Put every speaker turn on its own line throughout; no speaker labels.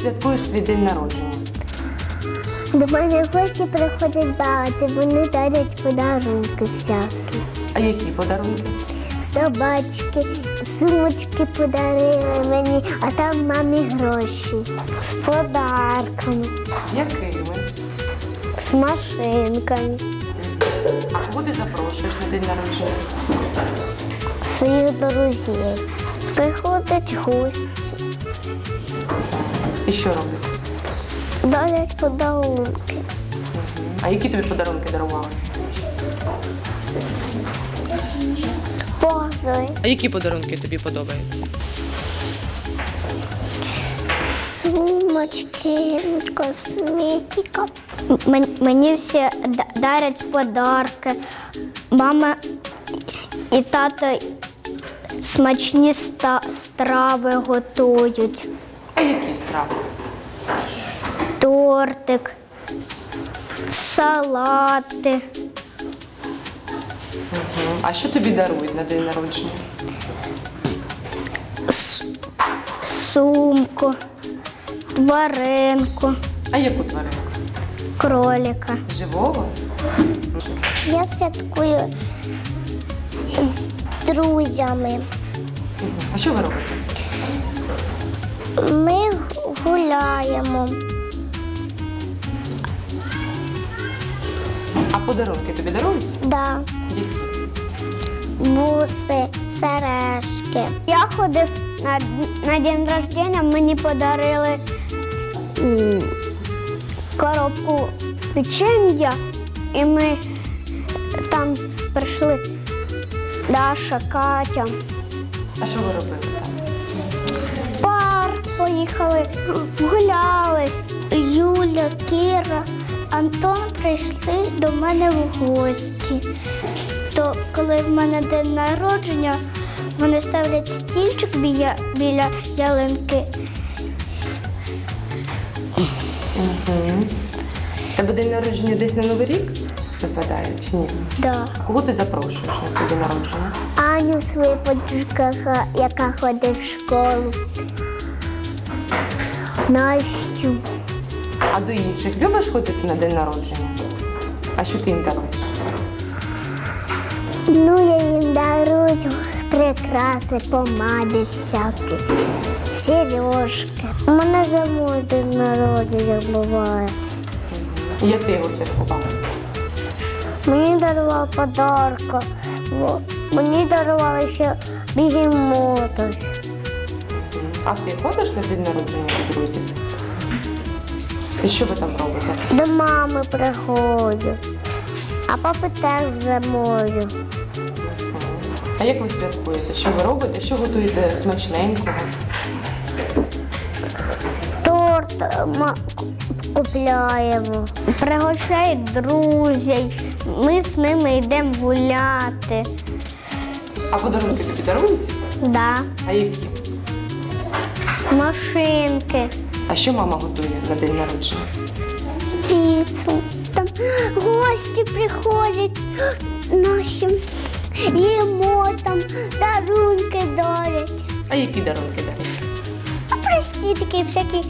святкуєш свій день народження?
До мене гості приходять багато, вони дарять подарунки всякі.
А які подарунки?
Собачки, сумочки подарили мені, а там мамі гроші. З подарками,
Якими?
з машинками,
А кого ти запрошуєш на день народження?
своїх друзів. Приходять гості,
І що роблять?
дарять подарунки.
А які тобі подарунки дарували?
Позови,
А які подарунки тобі подобаються?
сумочки, косметика. Мені всі дарять подарки. Мама і тато смачні страви готують.
А які страви?
Тортик, салати,
А що тобі дарують на день народження?
сумку, тваринку,
А яку тваринку?
кролика.
Живого?
Я святкую друзями.
А що ви робите?
Ми гуляємо.
А подарунки тобі дарують?
Да.
Які?
Буси, сережки. Я ходив на день рождення, мені подарили коробку печення, і ми там прийшли Даша, Катя.
А що ви робили там?
В парк поїхали, гуляли. Юля, Кіра, Антон прийшли до мене в гості. То коли в мене день народження, вони ставлять стільчик біля ялинки.
Тебе день народження десь на Новий рік випадає чи ні?
Да.
А кого ти запрошуєш на свій день народження?
Аню, свою подружку, яка ходить в школу. Настю.
А до інших любиш ходити на день народження? А що ти їм даруєш?
Ну, я їм дарую прикраси, помади всякі, сережки. У мене зимою день народження буває.
І як ти його святкував?
Мені дарували подарки, мені дарували ще бігемота.
А ти ходиш на день народження до друзів? І що ви там робите?
До мами приходжу, а папи теж зимою.
А як ви святкуєте? Що ви робите? Що готуєте смачненького?
Торт купляємо. Пригощають друзів, ми з ними йдемо гуляти.
А подарунки тобі дарують?
Да.
А які?
Машинки,
А що мама готує на день народження?
піцу. Там гості приходять наші, їмо там, дарунки дарять.
А які дарунки дарять?
А прості такі всякі.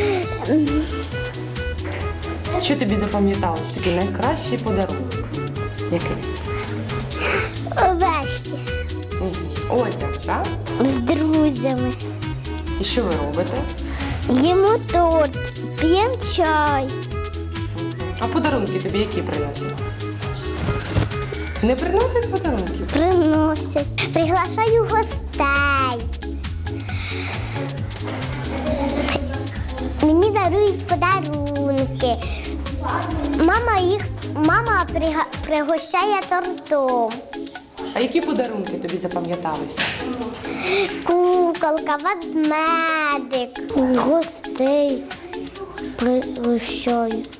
Що тобі запам'яталось? Такий найкращий подарунок? Який?
Вещі
Одяг, так?
з друзями.
І що ви робите?
Їмо торт, п'ємо чай.
А подарунки тобі які приносять? Не приносять подарунків?
Приносять. Приглашаю гостей. Мені дарують подарунки. Мама пригощає тортом.
А які подарунки тобі запам'яталися?
Куколка, ведмедик. Гостей пригощаю.